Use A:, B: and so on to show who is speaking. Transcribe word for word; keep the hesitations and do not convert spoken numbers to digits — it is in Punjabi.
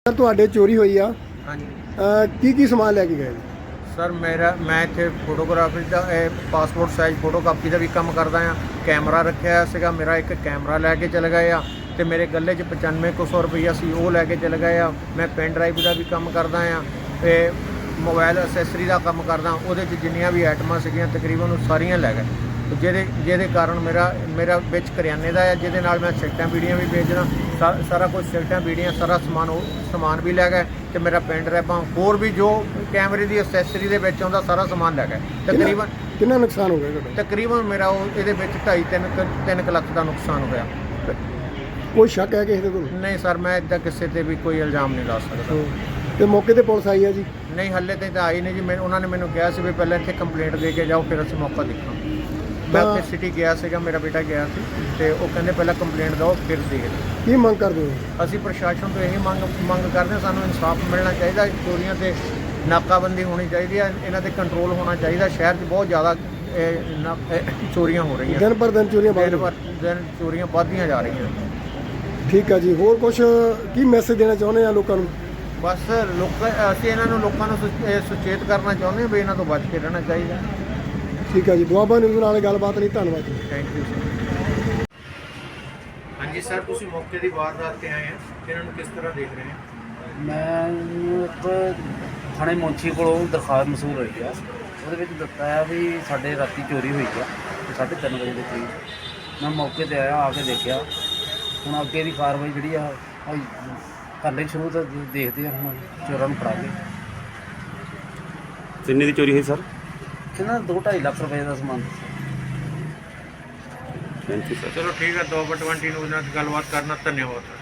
A: ਸਰ ਤੁਹਾਡੇ ਚੋਰੀ ਹੋਈ ਆ
B: हाँ जी
A: ਅਹ ਕੀ ਕੀ ਸਮਾਨ ਲੈ ਕੇ ਗਏ ਜੀ?
B: सर मेरा मैं इत्थे फोटोग्राफी ਦਾ ਪਾਸਪੋਰਟ ਸਾਈਜ਼ ਫੋਟੋ ਕਾਪੀ ਦਾ ਵੀ ਕੰਮ ਕਰਦਾ ਆ। ਕੈਮਰਾ ਰੱਖਿਆ ਹੋਇਆ ਸੀਗਾ, ਮੇਰਾ ਇੱਕ ਕੈਮਰਾ ਲੈ ਕੇ ਚਲੇ ਗਏ ਆ ਤੇ ਮੇਰੇ ਗੱਲੇ 'ਚ ਪਚਾਨਵੇਂ ਕੁ ਸੌ ਰੁਪਈਆ ਸੀ, ਉਹ ਲੈ ਕੇ ਚਲੇ ਗਏ ਆ। ਮੈਂ ਪੈਨ ਡਰਾਈਵ ਦਾ ਵੀ ਕੰਮ ਕਰਦਾ ਆ ਤੇ ਮੋਬਾਈਲ ਅਸੈਸਰੀ ਦਾ ਕੰਮ ਕਰਦਾ। ਉਹਦੇ 'ਚ ਜਿੰਨੀਆਂ ਵੀ ਆਈਟਮਾਂ ਸੀਗੀਆਂ ਤਕਰੀਬਨ ਉਹ ਸਾਰੀਆਂ ਲੈ ਗਏ, ਜਿਹਦੇ ਜਿਹਦੇ ਕਾਰਨ ਮੇਰਾ ਮੇਰਾ ਵਿੱਚ ਕਰਿਆਨੇ ਦਾ ਆ, ਜਿਹਦੇ ਨਾਲ ਮੈਂ ਸਿਗਰਟਾਂ ਬੀੜੀਆਂ ਵੀ ਵੇਚਦਾ। ਸਾ- ਸਾਰਾ ਕੁਝ ਸਿਗਰਟਾਂ ਬੀੜੀਆਂ ਸਾਰਾ ਸਮਾਨ ਉਹ ਸਮਾਨ ਵੀ ਲੈ ਗਏ ਤੇ ਮੇਰਾ ਪੈਨ ਡਰਾਈਵਾਂ ਹੋਰ ਵੀ ਜੋ ਕੈਮਰੇ ਦੀ ਅਸੈਸਰੀ ਦੇ ਵਿੱਚ ਆਉਂਦਾ ਸਾਰਾ ਸਮਾਨ ਲੈ ਗਏ। ਤਕਰੀਬਨ
A: ਕਿੰਨਾ ਨੁਕਸਾਨ ਹੋ ਗਿਆ ਤੁਹਾਡਾ?
B: ਤਕਰੀਬਨ ਮੇਰਾ ਉਹ ਇਹਦੇ ਵਿੱਚ ਢਾਈ ਤਿੰਨ ਕੁ- ਤਿੰਨ ਕੁ ਲੱਖ ਦਾ ਨੁਕਸਾਨ ਹੋਇਆ।
A: ਕੋਈ ਸ਼ੱਕ ਹੈ ਕਿਸੇ ਦੇ ਤੁਹਾਨੂੰ?
B: ਨਹੀਂ ਸਰ, ਮੈਂ ਇੱਦਾਂ ਕਿਸੇ ਤੇ ਵੀ ਕੋਈ ਇਲਜ਼ਾਮ ਨਹੀਂ ਲਾ ਸਕਦਾ।
A: ਤੇ ਮੌਕੇ ਤੇ ਪੁਲਿਸ ਆਈ ਆ ਜੀ?
B: ਨਹੀਂ ਹੱਲੇ ਤੇ ਤਾਂ ਆਈ ਨਹੀਂ ਜੀ। ਮੈਂ ਉਹਨਾਂ ਨੇ ਮੈਨੂੰ ਕਿਹਾ ਸੀ ਵੀ ਪਹਿਲਾਂ ਇੱਥੇ ਕੰਪਲੇਂਟ ਦੇ ਕੇ ਜਾਓ, ਫਿਰ ਅਸੀਂ ਮੌਕਾ ਦੇਖਾਂ। ਮੈਂ
A: ਤਾਂ-
B: ਉੱਥੇ ਸਿਟੀ ਗਿਆ ਸੀਗਾ, ਮੇਰਾ ਬੇਟਾ ਗਿਆ ਸੀ ਤੇ ਉਹ ਕਹਿੰਦੇ ਪਹਿਲਾਂ ਕੰਪਲੇਂਟ ਦਿਓ ਫਿਰ ਦੇਖਦੇ।
A: ਕੀ ਮੰਗ ਕਰਦੇ ਹੋ?
B: ਅਸੀਂ ਪ੍ਰਸ਼ਾਸਨ ਤੋਂ ਇਹੀ ਮੰਗ ਮੰਗ ਕਰਦੇ ਹਾਂ, ਸਾਨੂੰ ਇਨਸਾਫ ਮਿਲਣਾ ਚਾਹੀਦਾ। ਚੋਰੀਆਂ ਤੇ ਨਾਕਾਬੰਦੀ ਹੋਣੀ ਚਾਹੀਦੀ ਹੈ, ਇਹਨਾਂ ਤੇ ਕੰਟਰੋਲ ਹੋਣਾ ਚਾਹੀਦਾ। ਸ਼ਹਿਰ 'ਚ ਬਹੁਤ ਜ਼ਿਆਦਾ ਇਹ ਨਾ- ਇਹ ਚੋਰੀਆਂ ਹੋ ਰਹੀਆਂ,
A: ਦਿਨ ਪਰ ਦਿਨ ਚੋਰੀਆਂ ਵੱਧ
B: ਦਿਨ
A: ਰਹੀਆਂ।
B: ਪਰ ਦਿਨ ਚੋਰੀਆਂ ਵੱਧਦੀਆਂ ਜਾ ਰਹੀਆਂ।
A: ਠੀਕ ਆ ਜੀ, ਹੋਰ ਕੁਝ ਕੀ ਮੈਸੇਜ ਦੇਣਾ ਚਾਹੁੰਦੇ ਆ ਲੋਕਾਂ ਨੂੰ?
B: ਬਸ ਲੋਕ ਅਸੀਂ ਇਹਨਾਂ ਨੂੰ ਲੋਕਾਂ ਨੂੰ ਸੁਚ- ਇਹ ਸੁਚੇਤ ਕਰਨਾ ਚਾਹੁੰਦੇ ਹਾਂ ਵੀ ਇਹਨਾਂ ਤੋਂ ਬਚ ਕੇ ਰਹਿਣਾ ਚਾਹੀਦਾ।
A: ਠੀਕ ਆ ਜੀ, ਦੁਆਬਾ ਨਿਊਜ਼ ਨਾਲ ਗੱਲਬਾਤ ਲਈ ਧੰਨਵਾਦ ਜੀ।
B: Thank you sir. ਹਾਂਜੀ ਸਰ, ਤੁਸੀਂ ਮੌਕੇ ਦੀ ਵਾਰਦਾਤ ਤੇ ਆਏ ਆ, ਇਹਨਾਂ ਨੂੰ ਕਿਸ ਤਰ੍ਹਾਂ ਦੇਖ ਰਹੇ ਹੋ?
C: ਮੈਂ ਇੱਕ ਥਾਣੇ ਮੁੰਸ਼ੀ ਕੋਲੋਂ ਦਰਖਾਸਤ ਮਸੂਲ ਹੋਈ ਆ। ਉਹਦੇ ਵਿੱਚ ਦਿੱਤਾ ਆ ਵੀ ਸਾਡੇ ਰਾਤੀ ਚੋਰੀ ਹੋਈ ਆ ਸਾਢੇ ਤਿੰਨ ਵਜੇ ਦੇ ਕਰੀਬ। ਮੈਂ ਮੌਕੇ ਤੇ ਆਇਆ, ਆ ਕੇ ਦੇਖਿਆ। ਹੁਣ ਅੱਗੇ ਦੀ ਕਾਰਵਾਈ ਜਿਹੜੀ ਆ ਉਹ ਕਰਨੀ ਸ਼ੁਰੂ ਤਾਂ ਦੇਖਦੇ ਆ ਹੁਣ ਚੋਰਾਂ ਨੂੰ ਫੜਾ ਕੇ।
D: ਕਿੰਨੇ ਦੀ ਚੋਰੀ ਹੋਈ ਸਰ?
C: ਕਿੰਨਾ ਦੋ ਢਾਈ ਲੱਖ ਰੁਪਏ ਦਾ ਸਮਾਨ।
D: Thank you sir.
B: ਚਲੋ ਠੀਕ ਹੈ, ਦੋ ਬਟ ਟਵੰਟੀ ਨੂੰ ਨਾਲ ਗੱਲਬਾਤ ਕਰਨਾ। ਧੰਨਵਾਦ।